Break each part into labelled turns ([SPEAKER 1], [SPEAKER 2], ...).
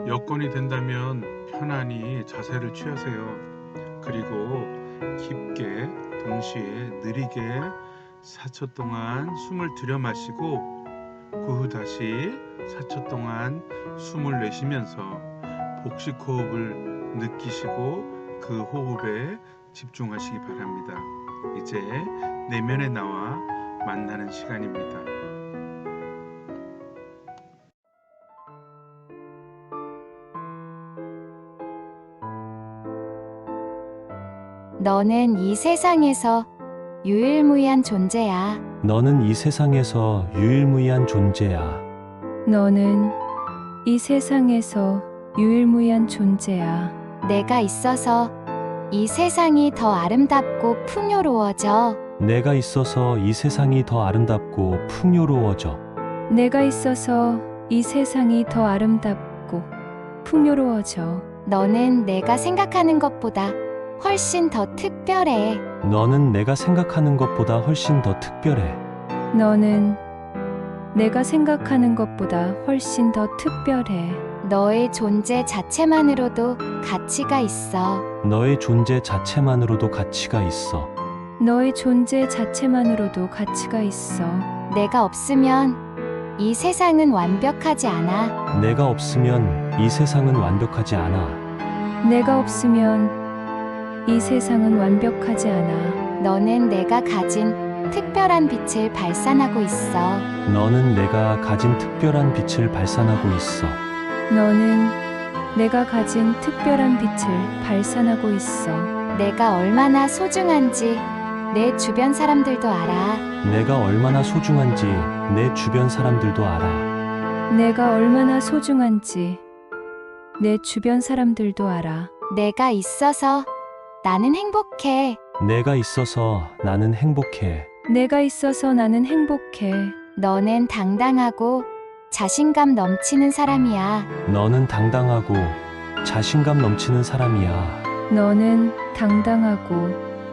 [SPEAKER 1] 여건이 된다면 편안히 자세를 취하세요. 그리고 깊게 동시에 느리게 4초 동안 숨을 들여 마시고 그 후 다시 4초 동안 숨을 내쉬면서 복식 호흡을 느끼시고 그 호흡에 집중하시기 바랍니다. 이제 내면의 나와 만나는 시간입니다.
[SPEAKER 2] 너는 이 세상에서 유일무이한 존재야.
[SPEAKER 3] 너는 이 세상에서 유일무이한 존재야.
[SPEAKER 4] 너는 이 세상에서 유일무이한 존재야.
[SPEAKER 2] 내가 있어서 이 세상이 더 아름답고 풍요로워져.
[SPEAKER 3] 내가 있어서 이 세상이 더 아름답고 풍요로워져.
[SPEAKER 4] 내가 있어서 이 세상이 더 아름답고 풍요로워져.
[SPEAKER 2] 너는 내가 생각하는 것보다 훨씬 더 특별해.
[SPEAKER 3] 너는 내가 생각하는 것보다 훨씬 더 특별해.
[SPEAKER 4] 너는 내가 생각하는 것보다 훨씬 더 특별해.
[SPEAKER 2] 너의 존재 자체만으로도 가치가 있어.
[SPEAKER 3] 너의 존재 자체만으로도 가치가 있어.
[SPEAKER 4] 너의 존재 자체만으로도 가치가 있어.
[SPEAKER 2] 내가 없으면 이 세상은 완벽하지 않아.
[SPEAKER 3] 내가 없으면 이 세상은 완벽하지 않아.
[SPEAKER 4] 내가 없으면 이 세상은 완벽하지 않아.
[SPEAKER 2] 너는 내가 가진 특별한 빛을 발산하고 있어.
[SPEAKER 3] 너는 내가 가진 특별한 빛을 발산하고 있어.
[SPEAKER 4] 너는 내가 가진 특별한 빛을 발산하고 있어.
[SPEAKER 2] 내가 얼마나 소중한지 내 주변 사람들도 알아.
[SPEAKER 3] 내가 얼마나 소중한지 내 주변 사람들도 알아.
[SPEAKER 4] 내가 얼마나 소중한지 내 주변 사람들도 알아.
[SPEAKER 2] 내가 있어서 나는 행복해.
[SPEAKER 3] 내가 있어서 나는 행복해.
[SPEAKER 4] 내가 있어서 나는 행복해.
[SPEAKER 2] 너는 당당하고 자신감 넘치는 사람이야.
[SPEAKER 3] 너는 당당하고 자신감 넘치는 사람이야.
[SPEAKER 4] 너는 당당하고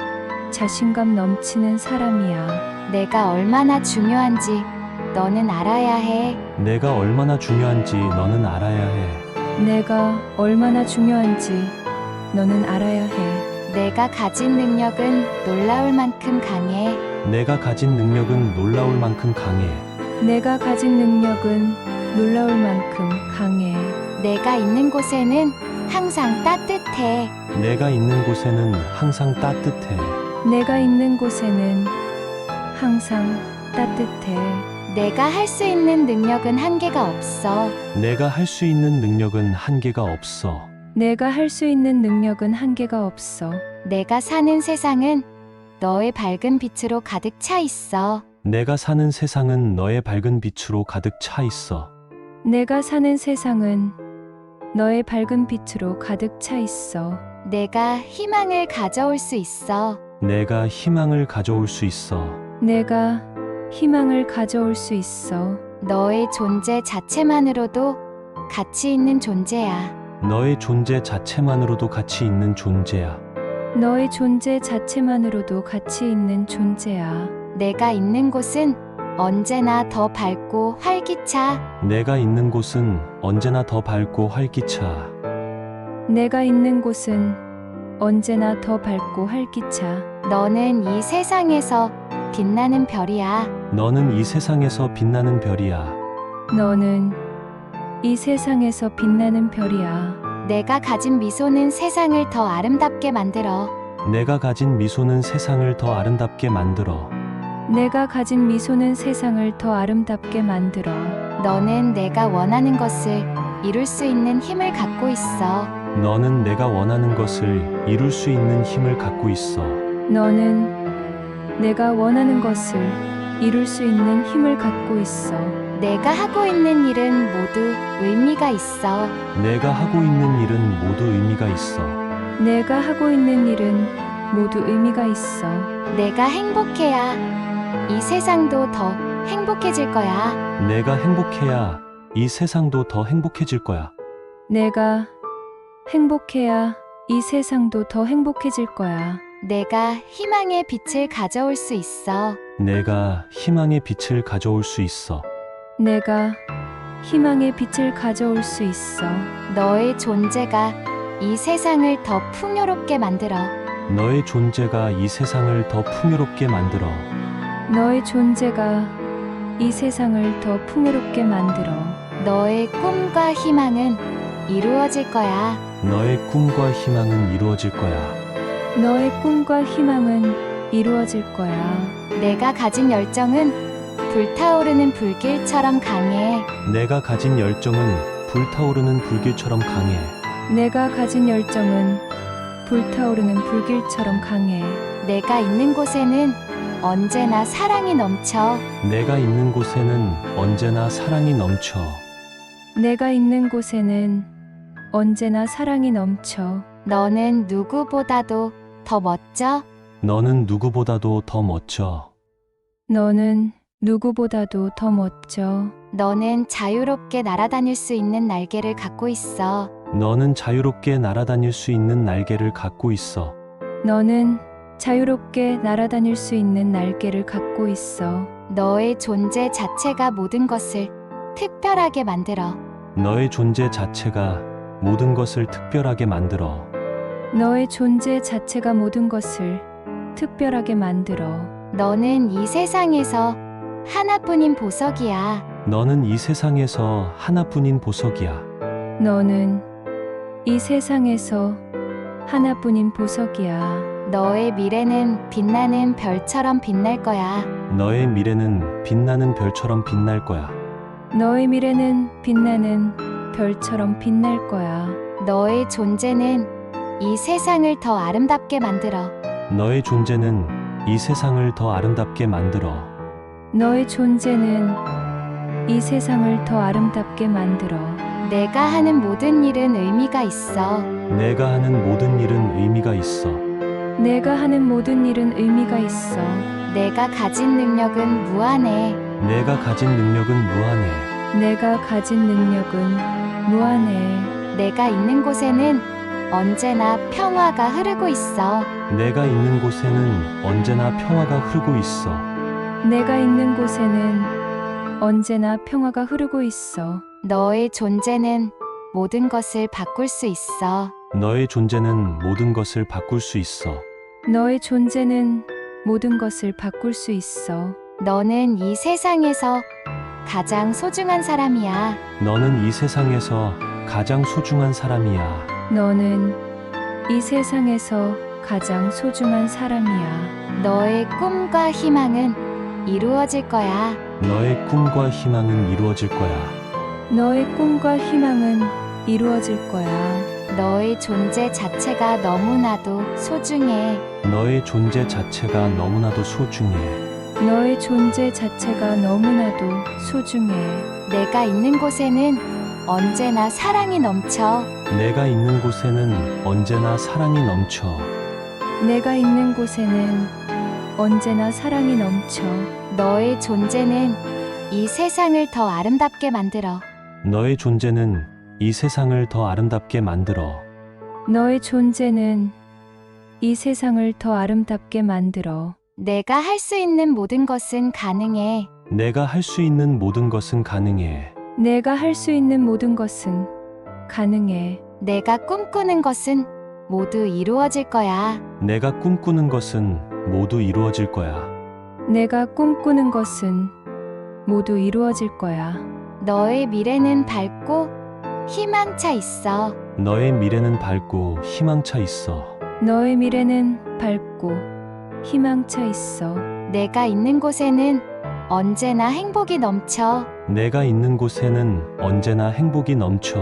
[SPEAKER 4] 자신감 넘치는 사람이야.
[SPEAKER 2] 내가 얼마나 중요한지 너는 알아야 해.
[SPEAKER 3] 내가 얼마나 중요한지 너는 알아야 해.
[SPEAKER 4] 내가 얼마나 중요한지 너는 알아야 해.
[SPEAKER 2] 내가 가진 능력은 놀라울 만큼 강해.
[SPEAKER 3] 내가 가진 능력은 놀라울 만큼 강해.
[SPEAKER 4] 내가 가진 능력은 놀라울 만큼 강해.
[SPEAKER 2] 내가 있는 곳에는 항상 따뜻해.
[SPEAKER 3] 내가 있는 곳에는 항상 따뜻해.
[SPEAKER 4] 내가 있는 곳에는 항상 따뜻해.
[SPEAKER 2] 내가 할 수 있는 능력은 한계가 없어.
[SPEAKER 3] 내가 할 수 있는 능력은 한계가 없어.
[SPEAKER 4] 내가 할 수 있는 능력은 한계가 없어.
[SPEAKER 2] 내가 사는 세상은 너의 밝은 빛으로 가득 차 있어.
[SPEAKER 3] 내가 사는 세상은 너의 밝은 빛으로 가득 차 있어.
[SPEAKER 4] 내가 사는 세상은 너의 밝은 빛으로 가득 차 있어.
[SPEAKER 2] 내가 희망을 가져올 수 있어.
[SPEAKER 3] 내가 희망을 가져올 수 있어.
[SPEAKER 4] 내가 희망을 가져올 수 있어.
[SPEAKER 2] 너의 존재 자체만으로도 가치 있는 존재야.
[SPEAKER 3] 너의 존재 자체만으로도 가치 있는 존재야.
[SPEAKER 4] 너의 존재 자체만으로도 가치 있는 존재야.
[SPEAKER 2] 내가 있는 곳은 언제나 더 밝고 활기차.
[SPEAKER 3] 내가 있는 곳은 언제나 더 밝고 활기차.
[SPEAKER 4] 내가 있는 곳은 언제나 더 밝고 활기차.
[SPEAKER 2] 너는 이 세상에서 빛나는 별이야.
[SPEAKER 3] 너는 이 세상에서 빛나는 별이야.
[SPEAKER 4] 너는 이 세상에서 빛나는 별이야.
[SPEAKER 2] 내가 가진 미소는 세상을 더 아름답게 만들어.
[SPEAKER 3] 내가 가진 미소는 세상을 더 아름답게 만들어.
[SPEAKER 4] 내가 가진 미소는 세상을 더 아름답게 만들어.
[SPEAKER 2] 너는 내가 원하는 것을 이룰 수 있는 힘을 갖고 있어.
[SPEAKER 3] 너는 내가 원하는 것을 이룰 수 있는 힘을 갖고 있어.
[SPEAKER 4] 너는 내가 원하는 것을 이룰 수 있는 힘을 갖고 있어.
[SPEAKER 2] 내가 하고 있는 일은 모두 의미가 있어.
[SPEAKER 3] 내가 하고 있는 일은 모두 의미가 있어.
[SPEAKER 4] 내가 하고 있는 일은 모두 의미가 있어.
[SPEAKER 2] 내가 행복해야 이 세상도 더 행복해질 거야.
[SPEAKER 3] 내가 행복해야 이 세상도 더 행복해질 거야.
[SPEAKER 4] 내가 행복해야 이 세상도 더 행복해질 거야.
[SPEAKER 2] 내가 희망의 빛을 가져올 수 있어.
[SPEAKER 3] 내가 희망의 빛을 가져올 수 있어.
[SPEAKER 4] 내가 희망의 빛을 가져올 수 있어.
[SPEAKER 2] 너의 존재가 이 세상을 더 풍요롭게 만들어.
[SPEAKER 3] 너의 존재가 이 세상을 더 풍요롭게 만들어.
[SPEAKER 4] 너의 존재가 이 세상을 더 풍요롭게 만들어.
[SPEAKER 2] 너의 꿈과 희망은 이루어질 거야.
[SPEAKER 3] 너의 꿈과 희망은 이루어질 거야.
[SPEAKER 4] 너의 꿈과 희망은 이루어질 거야.
[SPEAKER 2] 내가 가진 열정은 불타오르는 불길처럼 강해.
[SPEAKER 3] 내가 가진 열정은 불타오르는 불길처럼 강해.
[SPEAKER 4] 내가 가진 열정은 불타오르는 불길처럼 강해.
[SPEAKER 2] 내가 있는 곳에는 언제나 사랑이 넘쳐.
[SPEAKER 3] 내가 있는 곳에는 언제나 사랑이 넘쳐.
[SPEAKER 4] 내가 있는 곳에는 언제나 사랑이 넘쳐.
[SPEAKER 2] 너는 누구보다도 더 멋져.
[SPEAKER 3] 너는 누구보다도 더 멋져.
[SPEAKER 4] 너는 누구보다도 더 멋져.
[SPEAKER 2] 너는 자유롭게 날아다닐 수 있는 날개를 갖고 있어.
[SPEAKER 3] 너는 자유롭게 날아다닐 수 있는 날개를 갖고 있어.
[SPEAKER 4] 너는 자유롭게 날아다닐 수 있는 날개를 갖고 있어.
[SPEAKER 2] 너의 존재 자체가 모든 것을 특별하게 만들어.
[SPEAKER 3] 너의 존재 자체가 모든 것을 특별하게 만들어.
[SPEAKER 4] 너의 존재 자체가 모든 것을 특별하게 만들어.
[SPEAKER 2] 너는 이 세상에서 하나뿐인 보석이야.
[SPEAKER 3] 너는 이 세상에서 하나뿐인 보석이야.
[SPEAKER 4] 너는 이 세상에서 하나뿐인 보석이야.
[SPEAKER 2] 너의 미래는 빛나는 별처럼 빛날 거야.
[SPEAKER 3] 너의 미래는 빛나는 별처럼 빛날 거야.
[SPEAKER 4] 너의 미래는 빛나는 별처럼 빛날 거야.
[SPEAKER 2] 너의 존재는 이 세상을 더 아름답게 만들어.
[SPEAKER 3] 너의 존재는 이 세상을 더 아름답게 만들어.
[SPEAKER 4] 너의 존재는 이 세상을 더 아름답게 만들어.
[SPEAKER 2] 내가 하는 모든 일은 의미가 있어.
[SPEAKER 3] 내가 하는 모든 일은 의미가 있어.
[SPEAKER 4] 내가 하는 모든 일은 의미가 있어.
[SPEAKER 2] 내가 가진 능력은 무한해.
[SPEAKER 3] 내가 가진 능력은 무한해.
[SPEAKER 4] 내가 가진 능력은 무한해.
[SPEAKER 2] 내가 있는 곳에는 언제나 평화가 흐르고 있어.
[SPEAKER 3] 내가 있는 곳에는 언제나 평화가 흐르고 있어.
[SPEAKER 4] 내가 있는 곳에는 언제나 평화가 흐르고 있어.
[SPEAKER 2] 너의 존재는 모든 것을 바꿀 수 있어.
[SPEAKER 3] 너의 존재는 모든 것을 바꿀 수 있어.
[SPEAKER 4] 너의 존재는 모든 것을 바꿀 수 있어.
[SPEAKER 2] 너는 이 세상에서 가장 소중한 사람이야.
[SPEAKER 3] 너는 이 세상에서 가장 소중한 사람이야.
[SPEAKER 4] 너는 이 세상에서 가장 소중한 사람이야.
[SPEAKER 2] 너의 꿈과 희망은 이루어질 거야.
[SPEAKER 3] 너의 꿈과 희망은 이루어질 거야.
[SPEAKER 4] 너의 꿈과 희망은 이루어질 거야.
[SPEAKER 2] 너의 존재 자체가 너무나도 소중해.
[SPEAKER 3] 너의 존재 자체가 너무나도 소중해.
[SPEAKER 4] 너의 존재 자체가 너무나도 소중해.
[SPEAKER 2] 내가 있는 곳에는 언제나 사랑이 넘쳐.
[SPEAKER 3] 내가 있는 곳에는 언제나 사랑이 넘쳐.
[SPEAKER 4] 내가 있는 곳에는 언제나 사랑이 넘쳐.
[SPEAKER 2] 너의 존재는 이 세상을 더 아름답게 만들어.
[SPEAKER 3] 너의 존재는 이 세상을 더 아름답게 만들어.
[SPEAKER 4] 너의 존재는 이 세상을 더 아름답게 만들어.
[SPEAKER 2] 내가 할 수 있는 모든 것은 가능해.
[SPEAKER 3] 내가 할 수 있는 모든 것은 가능해.
[SPEAKER 4] 내가 할 수 있는 모든 것은 가능해.
[SPEAKER 2] 내가 꿈꾸는 것은 모두 이루어질 거야.
[SPEAKER 3] 내가 꿈꾸는 것은 모두 이루어질 거야.
[SPEAKER 4] 내가 꿈꾸는 것은 모두 이루어질 거야.
[SPEAKER 2] 너의 미래는 밝고 희망차 있어.
[SPEAKER 3] 너의 미래는 밝고 희망차 있어.
[SPEAKER 4] 너의 미래는 밝고 희망차 있어.
[SPEAKER 2] 내가 있는 곳에는 언제나 행복이 넘쳐.
[SPEAKER 3] 내가 있는 곳에는 언제나 행복이 넘쳐.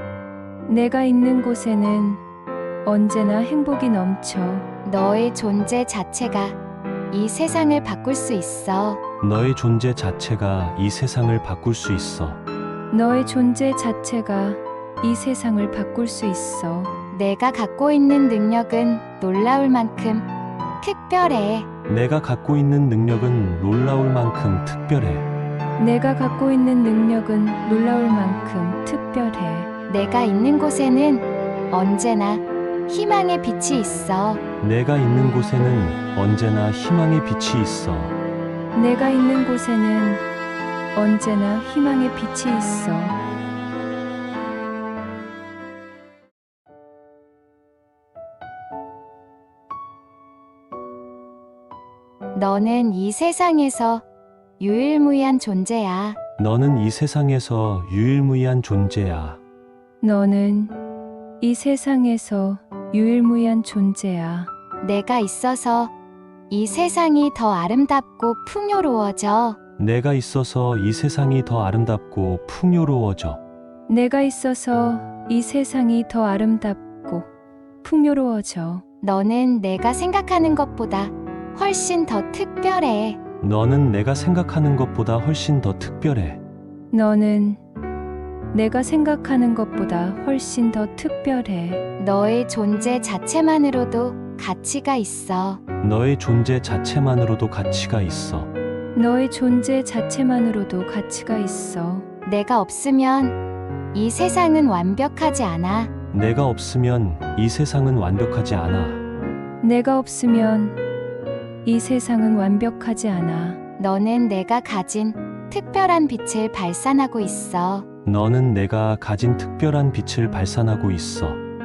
[SPEAKER 4] 내가 있는 곳에는 언제나 행복이 넘쳐.
[SPEAKER 2] 너의 존재 자체가 이 세상을 바꿀 수 있어.
[SPEAKER 3] 너의 존재 자체가 이 세상을 바꿀 수 있어.
[SPEAKER 4] 너의 존재 자체가 이 세상을 바꿀 수 있어.
[SPEAKER 2] 내가 갖고 있는 능력은 놀라울 만큼 특별해.
[SPEAKER 3] 내가 갖고 있는 능력은 놀라울 만큼 특별해.
[SPEAKER 4] 내가 갖고 있는 능력은 놀라울 만큼 특별해.
[SPEAKER 2] 내가 있는 곳에는 언제나 희망의 빛이 있어.
[SPEAKER 3] 내가 있는 곳에는 언제나 희망의 빛이 있어.
[SPEAKER 4] 내가 있는 곳에는 언제나 희망의 빛이 있어.
[SPEAKER 2] 너는 이 세상에서 유일무이한 존재야.
[SPEAKER 3] 너는 이 세상에서 유일무이한 존재야.
[SPEAKER 4] 너는 이 세상에서 유일무이한 존재야.
[SPEAKER 2] 내가 있어서 이 세상이 더 아름답고 풍요로워져.
[SPEAKER 3] 내가 있어서 이 세상이 더 아름답고 풍요로워져.
[SPEAKER 4] 내가 있어서 이 세상이 더 아름답고 풍요로워져.
[SPEAKER 2] 너는 내가 생각하는 것보다 훨씬 더 특별해.
[SPEAKER 3] 너는 내가 생각하는 것보다 훨씬 더 특별해.
[SPEAKER 4] 너는 내가 생각하는 것보다 훨씬 더 특별해.
[SPEAKER 2] 너의 존재 자체만으로도 가치가 있어.
[SPEAKER 3] 너의 존재 자체만으로도 가치가 있어.
[SPEAKER 4] 너의 존재 자체만으로도 가치가 있어.
[SPEAKER 2] 내가 없으면 이 세상은 완벽하지 않아.
[SPEAKER 3] 내가 없으면 이 세상은 완벽하지 않아.
[SPEAKER 4] 내가 없으면 이 세상은 완벽하지 않아.
[SPEAKER 2] 너는 내가 가진 특별한 빛을 발산하고 있어.
[SPEAKER 3] 너는 내가 가진 특별한 빛을 발산하고 있어.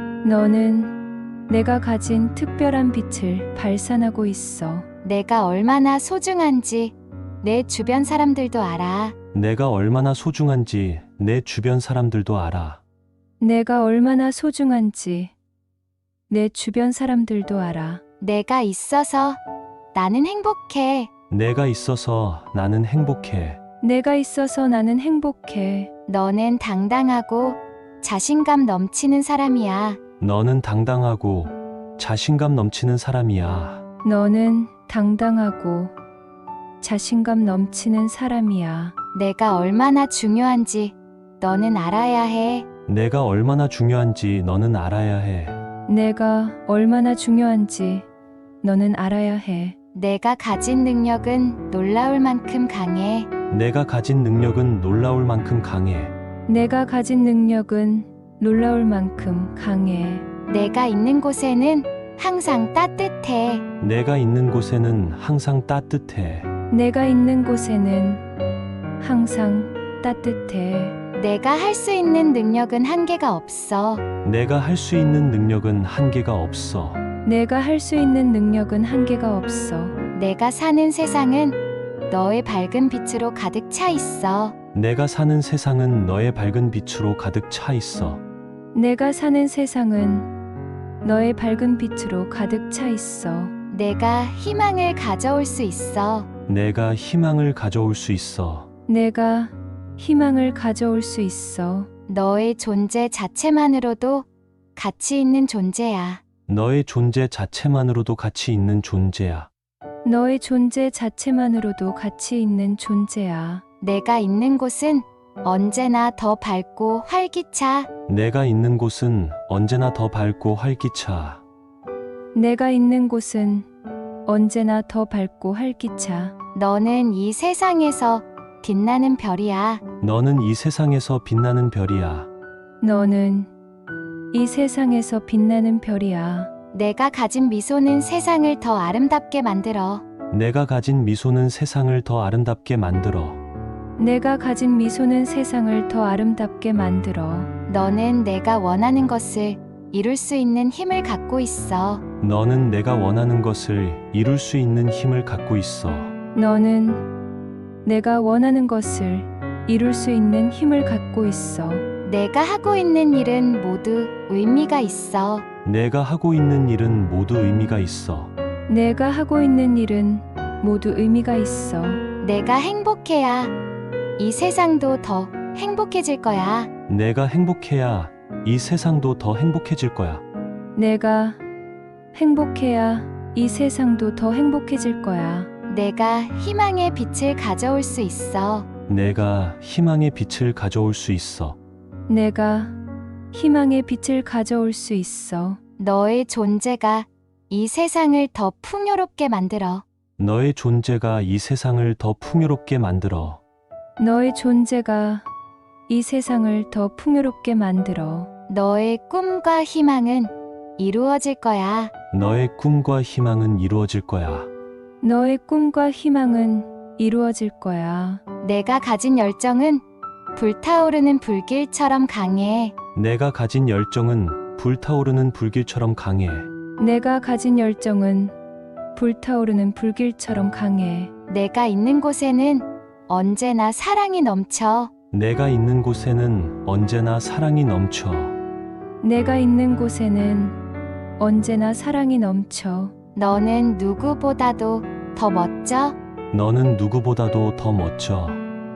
[SPEAKER 4] 너는 내가 가진 특별한 빛을 발산하고 있어.
[SPEAKER 2] 내가 얼마나 소중한지 내 주변 사람들도 알아.
[SPEAKER 3] 내가 얼마나 소중한지 내 주변 사람들도 알아.
[SPEAKER 4] 내가 얼마나 소중한지 내 주변 사람들도 알아.
[SPEAKER 2] 내가 있어서 나는 행복해.
[SPEAKER 3] 내가 있어서 나는 행복해.
[SPEAKER 4] 내가 있어서 나는 행복해.
[SPEAKER 2] 너는 당당하고 자신감 넘치는 사람이야.
[SPEAKER 3] 너는 당당하고 자신감 넘치는 사람이야.
[SPEAKER 4] 너는 당당하고 자신감 넘치는 사람이야.
[SPEAKER 2] 내가 얼마나 중요한지 너는 알아야 해.
[SPEAKER 3] 내가 얼마나 중요한지 너는 알아야 해.
[SPEAKER 4] 내가 얼마나 중요한지 너는 알아야 해.
[SPEAKER 2] 내가 가진 능력은 놀라울 만큼 강해.
[SPEAKER 3] 내가 가진 능력은 놀라울 만큼 강해.
[SPEAKER 4] 내가 가진 능력은 놀라울 만큼 강해.
[SPEAKER 2] 내가 있는 곳에는 항상 따뜻해.
[SPEAKER 3] 내가 있는 곳에는 항상 따뜻해.
[SPEAKER 4] 내가 있는 곳에는 항상 따뜻해.
[SPEAKER 2] 내가 할 수 있는 능력은 한계가 없어.
[SPEAKER 3] 내가 할 수 있는 능력은 한계가 없어.
[SPEAKER 4] 내가 할 수 있는 능력은 한계가 없어.
[SPEAKER 2] 내가 사는 세상은 너의 밝은 빛으로 가득 차 있어.
[SPEAKER 3] 내가 사는 세상은 너의 밝은 빛으로 가득 차 있어.
[SPEAKER 4] 내가 사는 세상은 너의 밝은 빛으로 가득 차 있어.
[SPEAKER 2] 내가 희망을 가져올 수 있어.
[SPEAKER 3] 내가 희망을 가져올 수 있어.
[SPEAKER 4] 내가 희망을 가져올 수 있어.
[SPEAKER 2] 너의 존재 자체만으로도 가치 있는 존재야.
[SPEAKER 3] 너의 존재 자체만으로도 가치 있는 존재야.
[SPEAKER 4] 너의 존재 자체만으로도 가치 있는 존재야.
[SPEAKER 2] 내가 있는 곳은 언제나 더 밝고 활기차.
[SPEAKER 3] 내가 있는 곳은 언제나 더 밝고 활기차.
[SPEAKER 4] 내가 있는 곳은 언제나 더 밝고 활기차.
[SPEAKER 2] 너는 이 세상에서 빛나는 별이야.
[SPEAKER 3] 너는 이 세상에서 빛나는 별이야.
[SPEAKER 4] 너는 이 세상에서 빛나는 별이야.
[SPEAKER 2] 내가 가진 미소는 세상을 더 아름답게 만들어.
[SPEAKER 3] 내가 가진 미소는 세상을 더 아름답게 만들어.
[SPEAKER 4] 내가 가진 미소는 세상을 더 아름답게 만들어.
[SPEAKER 2] 너는 내가 원하는 것을 이룰 수 있는 힘을 갖고 있어.
[SPEAKER 3] 너는 내가 원하는 것을 이룰 수 있는 힘을 갖고 있어.
[SPEAKER 4] 너는 내가 원하는 것을 이룰 수 있는 힘을 갖고 있어.
[SPEAKER 2] 내가 하고 있는 일은 모두 의미가 있어.
[SPEAKER 3] 내가 하고 있는 일은 모두 의미가 있어.
[SPEAKER 4] 내가 하고 있는 일은 모두 의미가 있어.
[SPEAKER 2] 내가 행복해야 이 세상도 더 행복해질 거야.
[SPEAKER 3] 내가 행복해야 이 세상도 더 행복해질 거야.
[SPEAKER 4] 내가 행복해야 이 세상도 더 행복해질 거야.
[SPEAKER 2] 내가 희망의 빛을 가져올 수 있어.
[SPEAKER 3] 내가 희망의 빛을 가져올 수 있어.
[SPEAKER 4] 내가 희망의 빛을 가져올 수 있어.
[SPEAKER 2] 너의 존재가 이 세상을 더 풍요롭게 만들어.
[SPEAKER 3] 너의 존재가 이 세상을 더 풍요롭게 만들어.
[SPEAKER 4] 너의 존재가 이 세상을 더 풍요롭게 만들어.
[SPEAKER 2] 너의 꿈과 희망은 이루어질 거야.
[SPEAKER 3] 너의 꿈과 희망은 이루어질 거야.
[SPEAKER 4] 너의 꿈과 희망은 이루어질 거야.
[SPEAKER 2] 내가 가진 열정은 불타오르는 불길처럼 강해.
[SPEAKER 3] 내가 가진 열정은 불타오르는 불길처럼 강해.
[SPEAKER 4] 내가 가진 열정은 불타오르는 불길처럼 강해.
[SPEAKER 2] 내가 있는 곳에는 언제나 사랑이 넘쳐.
[SPEAKER 3] 내가 있는 곳에는 언제나 사랑이 넘쳐.
[SPEAKER 4] 내가 있는 곳에는 언제나 사랑이 넘쳐.
[SPEAKER 2] 너는 누구보다도 더 멋져.
[SPEAKER 3] 너는 누구보다도 더 멋져.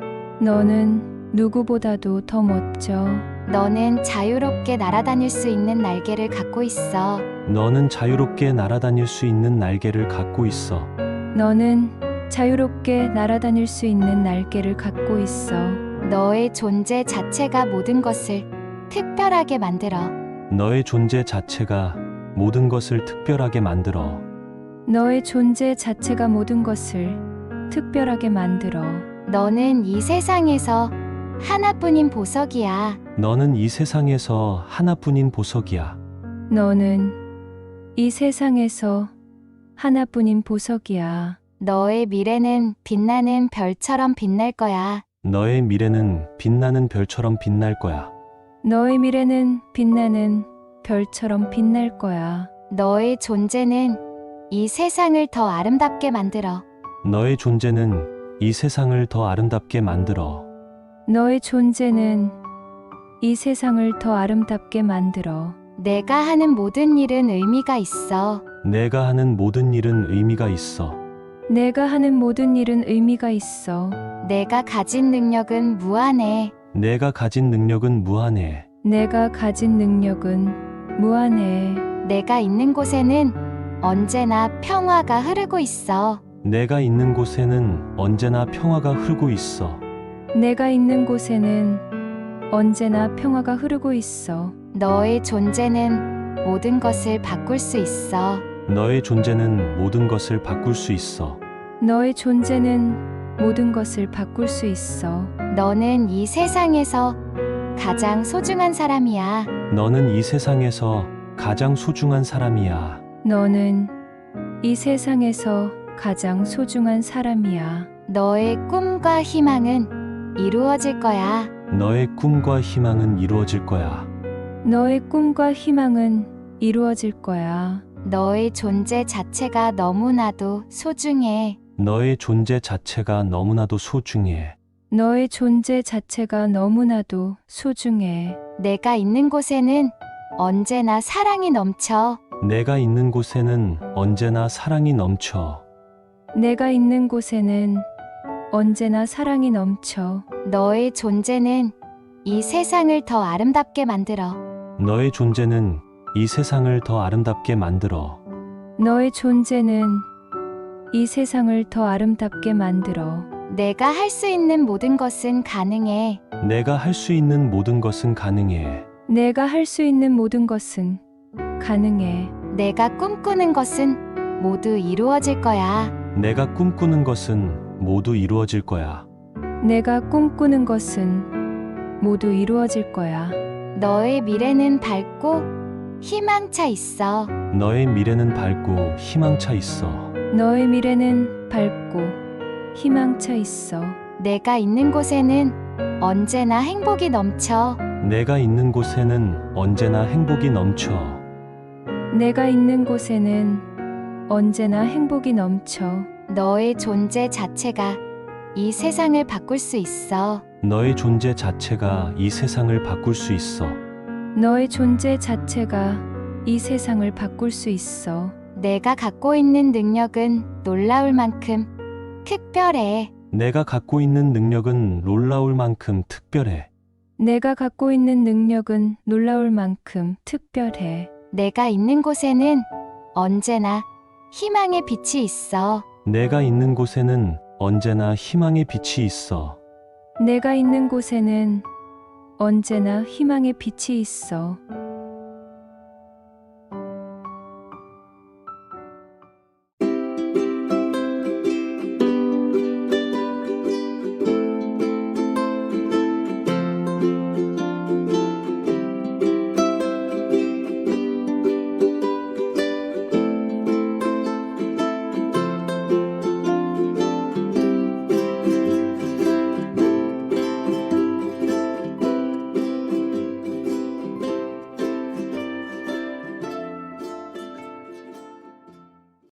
[SPEAKER 4] 너는 누구보다도 더 멋져.
[SPEAKER 2] 너는 자유롭게 날아다닐 수 있는 날개를 갖고 있어.
[SPEAKER 3] 너는 자유롭게 날아다닐 수 있는 날개를 갖고 있어.
[SPEAKER 4] 너는 자유롭게 날아다닐 수 있는 날개를 갖고 있어.
[SPEAKER 2] 너의 존재 자체가 모든 것을 특별하게 만들어.
[SPEAKER 3] 너의 존재 자체가 모든 것을 특별하게 만들어.
[SPEAKER 4] 너의 존재 자체가 모든 것을 특별하게 만들어.
[SPEAKER 2] 너는 이 세상에서 하나뿐인 보석이야.
[SPEAKER 3] 너는 이 세상에서 하나뿐인 보석이야.
[SPEAKER 4] 너는 이 세상에서 하나뿐인 보석이야.
[SPEAKER 2] 너의 미래는 빛나는 별처럼 빛날 거야.
[SPEAKER 3] 너의 미래는 빛나는 별처럼 빛날 거야.
[SPEAKER 4] 너의 미래는 빛나는 별처럼 빛날 거야.
[SPEAKER 2] 너의 존재는 이 세상을 더 아름답게 만들어.
[SPEAKER 3] 너의 존재는 이 세상을 더 아름답게 만들어.
[SPEAKER 4] 너의 존재는 이 세상을 더 아름답게 만들어.
[SPEAKER 2] 내가 하는 모든 일은 의미가 있어.
[SPEAKER 3] 내가 하는 모든 일은 의미가 있어.
[SPEAKER 4] 내가 하는 모든 일은 의미가 있어.
[SPEAKER 2] 내가 가진 능력은 무한해.
[SPEAKER 3] 내가 가진 능력은 무한해.
[SPEAKER 4] 내가 가진 능력은 무한해.
[SPEAKER 2] 내가 있는 곳에는 언제나 평화가 흐르고 있어.
[SPEAKER 3] 내가 있는 곳에는 언제나 평화가 흐르고 있어.
[SPEAKER 4] 내가 있는 곳에는 언제나 평화가 흐르고 있어.
[SPEAKER 2] 너의 존재는 모든 것을 바꿀 수 있어.
[SPEAKER 3] 너의 존재는 모든 것을 바꿀 수 있어.
[SPEAKER 4] 너의 존재는 모든 것을 바꿀 수 있어.
[SPEAKER 2] 너는 이 세상에서 가장 소중한 사람이야.
[SPEAKER 3] 너는 이 세상에서 가장 소중한 사람이야.
[SPEAKER 4] 너는 이 세상에서 가장 소중한 사람이야.
[SPEAKER 2] 너의 꿈과 희망은 이루어질 거야.
[SPEAKER 3] 너의 꿈과 희망은 이루어질 거야.
[SPEAKER 4] 너의 꿈과 희망은 이루어질 거야.
[SPEAKER 2] 너의 존재 자체가 너무나도 소중해.
[SPEAKER 3] 너의 존재 자체가 너무나도 소중해.
[SPEAKER 4] 너의 존재 자체가 너무나도 소중해.
[SPEAKER 2] 내가 있는 곳에는 언제나 사랑이 넘쳐.
[SPEAKER 3] 내가 있는 곳에는 언제나 사랑이 넘쳐.
[SPEAKER 4] 내가 있는 곳에는 언제나 사랑이 넘쳐.
[SPEAKER 2] 너의 존재는 이 세상을 더 아름답게 만들어.
[SPEAKER 3] 너의 존재는 이 세상을 더 아름답게 만들어.
[SPEAKER 4] 너의 존재는 이 세상을 더 아름답게 만들어.
[SPEAKER 2] 내가 할 수 있는 모든 것은 가능해.
[SPEAKER 3] 내가 할 수 있는 모든 것은 가능해.
[SPEAKER 4] 내가 할 수 있는 모든 것은 가능해.
[SPEAKER 2] 내가 꿈꾸는 것은 모두 이루어질 거야.
[SPEAKER 3] 내가 꿈꾸는 것은 모두 이루어질 거야.
[SPEAKER 4] 내가 꿈꾸는 것은 모두 이루어질 거야.
[SPEAKER 2] 너의 미래는 밝고 희망차 있어.
[SPEAKER 3] 너의 미래는 밝고 희망차 있어.
[SPEAKER 4] 너의 미래는 밝고 희망차 있어.
[SPEAKER 2] 내가 있는 곳에는 언제나 행복이 넘쳐.
[SPEAKER 3] 내가 있는 곳에는 언제나 행복이 넘쳐.
[SPEAKER 4] 내가 있는 곳에는 언제나 행복이 넘쳐.
[SPEAKER 2] 너의 존재 자체가 이 세상을 바꿀 수 있어.
[SPEAKER 3] 너의 존재 자체가 이 세상을 바꿀 수 있어.
[SPEAKER 4] 너의 존재 자체가 이 세상을 바꿀 수 있어.
[SPEAKER 2] 내가 갖고 있는 능력은 놀라울 만큼 특별해.
[SPEAKER 3] 내가 갖고 있는 능력은 놀라울 만큼 특별해.
[SPEAKER 4] 내가 갖고 있는 능력은 놀라울 만큼 특별해.
[SPEAKER 2] 내가 있는 곳에는 언제나 희망의 빛이 있어.
[SPEAKER 3] 내가 있는 곳에는 언제나 희망의 빛이 있어.
[SPEAKER 4] 내가 있는 곳에는 언제나 희망의 빛이 있어.